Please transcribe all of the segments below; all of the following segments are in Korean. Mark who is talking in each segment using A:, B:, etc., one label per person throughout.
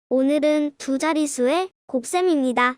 A: 오늘은 두 자릿수의 곱셈입니다.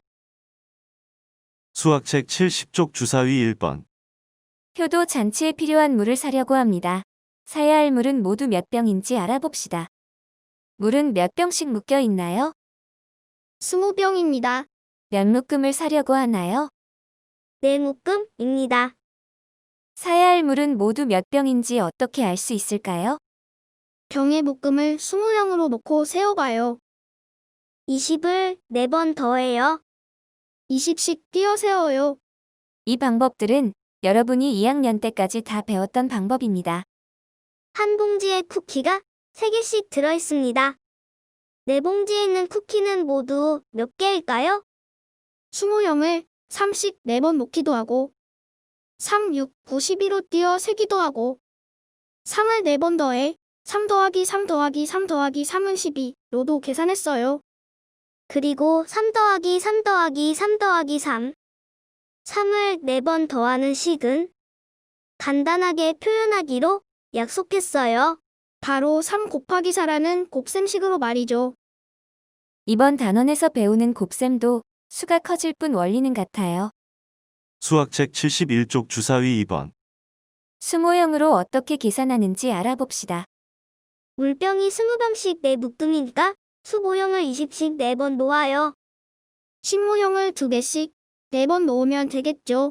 B: 수학책 70쪽 주사위 1번.
C: 효도 잔치에 필요한 물을 사려고 합니다. 사야 할 물은 모두 몇 병인지 알아봅시다. 물은 몇 병씩 묶여 있나요?
A: 20병입니다.
C: 몇 묶음을 사려고 하나요?
A: 4묶음입니다.
C: 사야 할 물은 모두 몇 병인지 어떻게 알 수 있을까요?
A: 병의 묶음을 20형으로 놓고 세어봐요. 20을 4번 더해요. 20씩 띄어 세워요.
C: 이 방법들은 여러분이 2학년 때까지 다 배웠던 방법입니다.
A: 한 봉지에 쿠키가 3개씩 들어있습니다. 4봉지에 있는 쿠키는 모두 몇 개일까요? 20형을 3씩 4번 놓기도 하고 3, 6, 9, 12로 띄어 세기도 하고 3을 4번 더해 3 더하기 3 더하기 3 더하기 3은 12로도 계산했어요. 그리고 3 더하기 3 더하기 3 더하기 3 3을 4번 더하는 식은 간단하게 표현하기로 약속했어요. 바로 3 곱하기 4라는 곱셈식으로 말이죠.
C: 이번 단원에서 배우는 곱셈도 수가 커질 뿐 원리는 같아요.
B: 수학책 71쪽 주사위 2번.
C: 수모형으로 어떻게 계산하는지 알아봅시다.
A: 물병이 20병씩 4묶음이니까 수모형을 20씩 4번 놓아요. 신모형을 2개씩 4번 놓으면 되겠죠.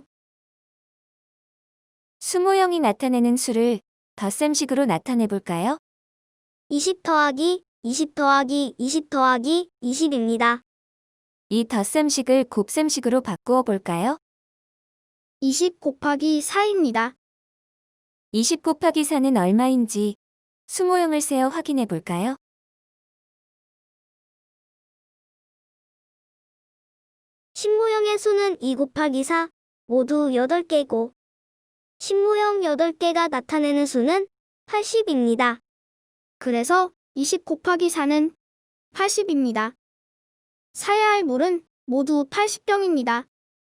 C: 수모형이 나타내는 수를 덧셈식으로 나타내 볼까요?
A: 20 더하기 20 더하기 20 더하기 20입니다.
C: 이 덧셈식을 곱셈식으로 바꾸어 볼까요?
A: 20 곱하기 4입니다.
C: 20 곱하기 4는 얼마인지 수모형을 세어 확인해 볼까요?
A: 신모형의 수는 2 곱하기 4 모두 8개고 신모형 8개가 나타내는 수는 80입니다. 그래서 20 곱하기 4는 80입니다. 사야 할 물은 모두 80병입니다.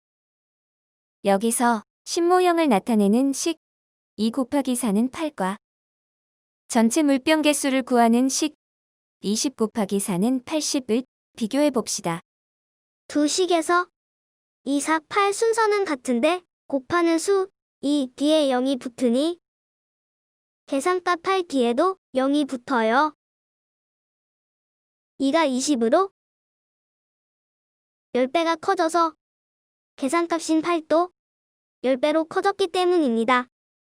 C: 여기서 신모형을 나타내는 식 2 곱하기 4는 8과 전체 물병 개수를 구하는 식 20 곱하기 4는 80을 비교해 봅시다.
A: 두 식에서 2, 4, 8 순서는 같은데 곱하는 수 2 뒤에 0이 붙으니 계산값 8 뒤에도 0이 붙어요. 2가 20으로 10배가 커져서 계산값인 8도 10배로 커졌기 때문입니다.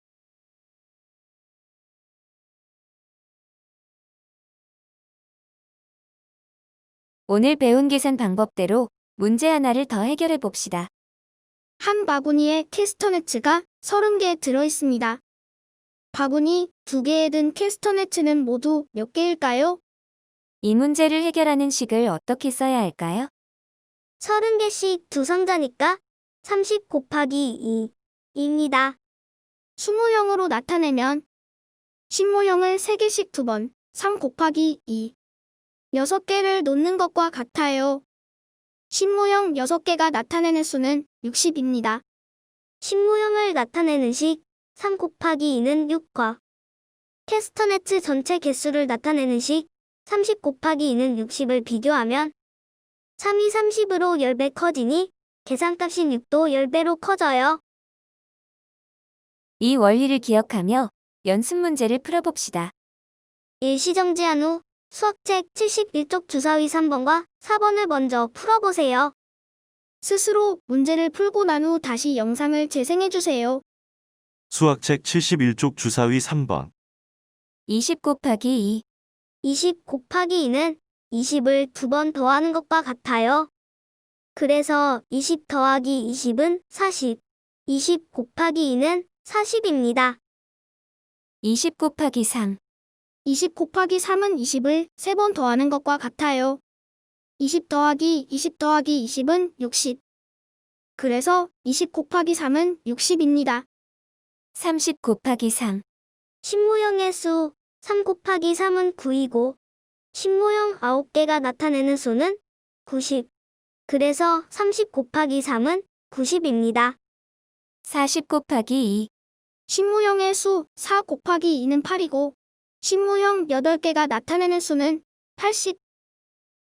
C: 오늘 배운 계산 방법대로 문제 하나를 더 해결해 봅시다.
A: 한 바구니에 캐스터네츠가 30개 들어있습니다. 바구니 2개에 든 캐스터네츠는 모두 몇 개일까요?
C: 이 문제를 해결하는 식을 어떻게 써야 할까요?
A: 30개씩 두 상자니까 30 곱하기 2입니다. 수모형으로 나타내면 신모형을 3개씩 2번 3 곱하기 2 6개를 놓는 것과 같아요. 신모형 6개가 나타내는 수는 60입니다. 신모형을 나타내는 식 3 곱하기 2는 6과 캐스터네츠 전체 개수를 나타내는 식 30 곱하기 2는 60을 비교하면 3이 30으로 10배 커지니 계산값인 6도 10배로 커져요.
C: 이 원리를 기억하며 연습 문제를 풀어봅시다.
A: 일시정지한 후 수학책 71쪽 주사위 3번과 4번을 먼저 풀어보세요. 스스로 문제를 풀고 난 후 다시 영상을 재생해주세요.
B: 수학책 71쪽 주사위 3번.
C: 20 곱하기 2,
A: 20 곱하기 2는 20을 2번 더하는 것과 같아요. 그래서 20 더하기 20은 40, 20 곱하기 2는 40입니다.
C: 20 곱하기 3,
A: 20 곱하기 3은 20을 3번 더하는 것과 같아요. 20 더하기 20 더하기 20은 60. 그래서 20 곱하기 3은 60입니다.
C: 30 곱하기 3,
A: 신모형의 수 3 곱하기 3은 9이고 신모형 9개가 나타내는 수는 90. 그래서 30 곱하기 3은 90입니다.
C: 40 곱하기 2,
A: 신모형의 수 4 곱하기 2는 8이고 신모형 8개가 나타내는 수는 80.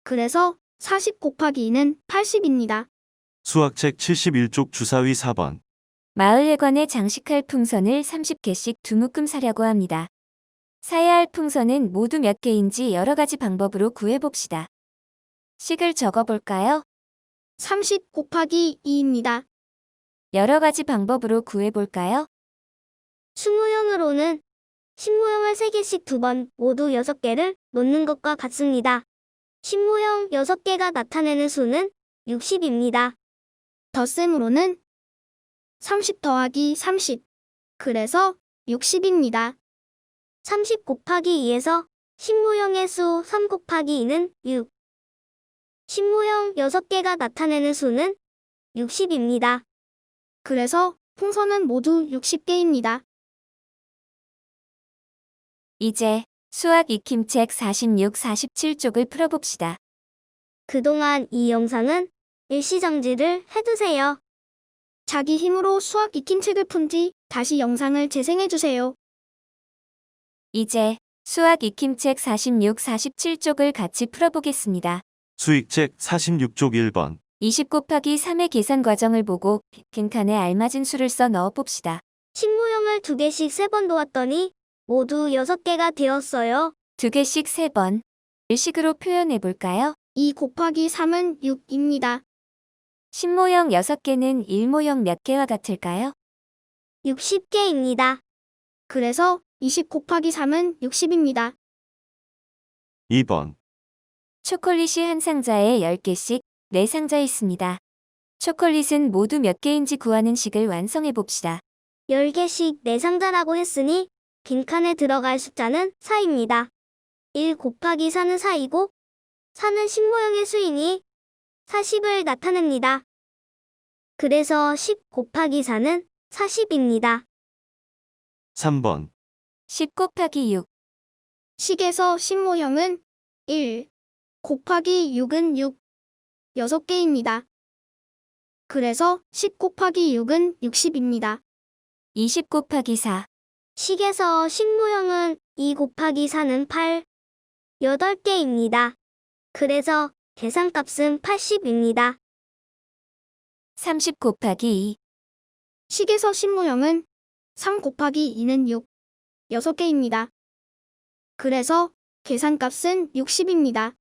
A: 그래서 40 곱하기 2는 80입니다.
B: 수학책 71쪽 주사위 4번.
C: 마을회관에 장식할 풍선을 30개씩 두 묶음 사려고 합니다. 사야 할 풍선은 모두 몇 개인지 여러 가지 방법으로 구해봅시다. 식을 적어볼까요?
A: 30 곱하기 2입니다.
C: 여러 가지 방법으로 구해볼까요?
A: 수모형으로는 신모형을 3개씩 2번 모두 6개를 놓는 것과 같습니다. 신모형 6개가 나타내는 수는 60입니다. 덧셈으로는 30 더하기 30, 그래서 60입니다. 30 곱하기 2에서 신모형의 수 3 곱하기 2는 6. 신모형 6개가 나타내는 수는 60입니다. 그래서 풍선은 모두 60개입니다.
C: 이제 수학 익힘책 46, 47쪽을 풀어봅시다.
A: 그동안 이 영상은 일시정지를 해두세요. 자기 힘으로 수학 익힘책을 푼 뒤 다시 영상을 재생해주세요.
C: 이제 수학 익힘책 46, 47쪽을 같이 풀어보겠습니다.
B: 수익책 46쪽 1번.
C: 20 곱하기 3의 계산 과정을 보고 빈칸에 알맞은 수를 써 넣어봅시다.
A: 신모형을 2개씩 3번 놓았더니 모두 6개가 되었어요.
C: 2개씩 3번. 일식으로 표현해볼까요?
A: 2 곱하기 3은 6입니다.
C: 신모형 6개는 일모형 몇 개와 같을까요?
A: 60개입니다. 그래서 20 곱하기 3은 60입니다.
B: 2번.
C: 초콜릿이 한 상자에 10개씩 4상자 있습니다. 초콜릿은 모두 몇 개인지 구하는 식을 완성해봅시다.
A: 10개씩 4상자라고 했으니 빈칸에 들어갈 숫자는 4입니다. 1 곱하기 4는 4이고 4는 신모형의 수이니 40을 나타냅니다. 그래서 10 곱하기 4는 40입니다.
B: 3번.
C: 10 곱하기 6.
A: 식에서 신모형은 1 곱하기 6은 6, 6개입니다. 그래서 10 곱하기 6은 60입니다.
C: 20 곱하기 4.
A: 식에서 신모형은 2 곱하기 4는 8, 8개입니다. 그래서 계산값은 80입니다.
C: 30 곱하기 2.
A: 식에서 신모형은 3 곱하기 2는 6, 6개입니다. 그래서 계산값은 60입니다.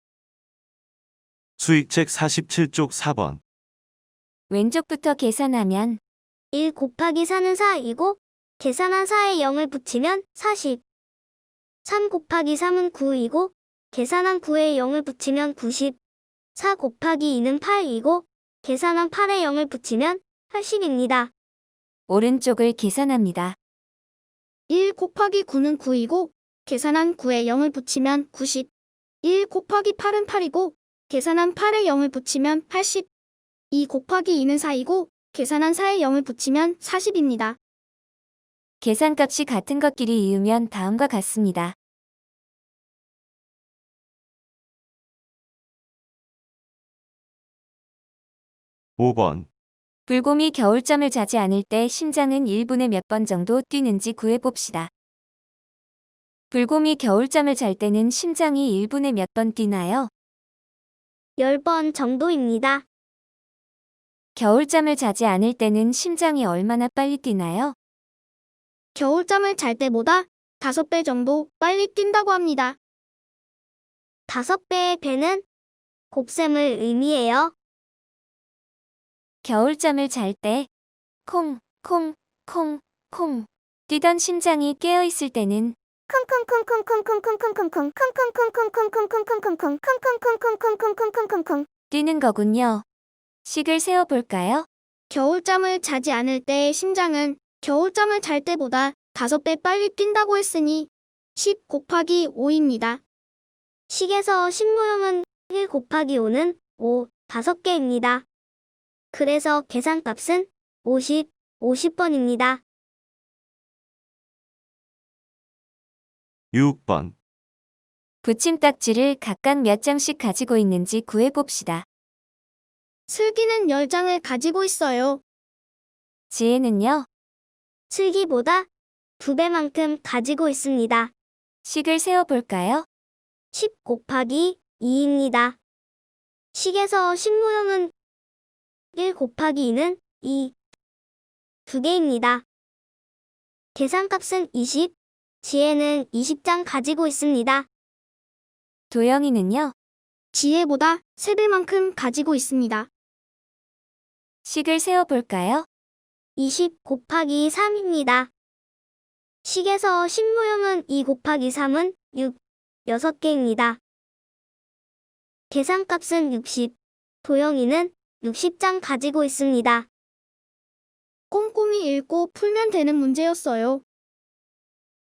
B: 수익책 47쪽 4번.
C: 왼쪽부터 계산하면
A: 1 곱하기 4는 4이고 계산한 4에 0을 붙이면 40. 3 곱하기 3은 9이고 계산한 9에 0을 붙이면 90. 4 곱하기 2는 8이고 계산한 8에 0을 붙이면 80입니다.
C: 오른쪽을 계산합니다.
A: 1 곱하기 9는 9이고 계산한 9에 0을 붙이면 90. 1 곱하기 8은 8이고 계산한 8에 0을 붙이면 80. 2 곱하기 2는 4이고 계산한 4에 0을 붙이면 40입니다.
C: 계산값이 같은 것끼리 이으면 다음과 같습니다.
B: (5번)
C: 불곰이 겨울잠을 자지 않을 때 심장은 1분에 몇 번 정도 뛰는지 구해봅시다. 불곰이 겨울잠을 잘 때는 심장이 1분에 몇 번 뛰나요?
A: 10번 정도입니다.
C: 겨울잠을 자지 않을 때는 심장이 얼마나 빨리 뛰나요?
A: 겨울잠을 잘 때보다 5배 정도 빨리 뛴다고 합니다. 5배의 배는 곱셈을 의미해요.
C: 겨울잠을 잘 때 콩, 콩, 콩, 콩 뛰던 심장이 깨어있을 때는 뛰는 거군요. 식을 세어볼까요?
A: 겨울잠을 자지 않을 때의 심장은 겨울잠을 잘 때보다 5배 빨리 뛴다고 했으니 10 곱하기 5입니다. 식에서 신모형은 1 곱하기 5는 5, 5개입니다. 그래서 계산값은 50, 50번입니다.
B: 6번.
C: 붙임딱지를 각각 몇 장씩 가지고 있는지 구해봅시다.
A: 슬기는 10장을 가지고 있어요.
C: 지혜는요?
A: 슬기보다 2배만큼 가지고 있습니다.
C: 식을 세어볼까요?
A: 10 곱하기 2입니다. 식에서 10모형은 1 곱하기 2는 2. 2개입니다. 계산값은 20, 지혜는 20장 가지고 있습니다.
C: 도영이는요?
A: 지혜보다 3배만큼 가지고 있습니다.
C: 식을 세어볼까요?
A: 20 곱하기 3입니다. 식에서 10모형은 2 곱하기 3은 6, 6개입니다. 계산값은 60, 도영이는 60장 가지고 있습니다. 꼼꼼히 읽고 풀면 되는 문제였어요.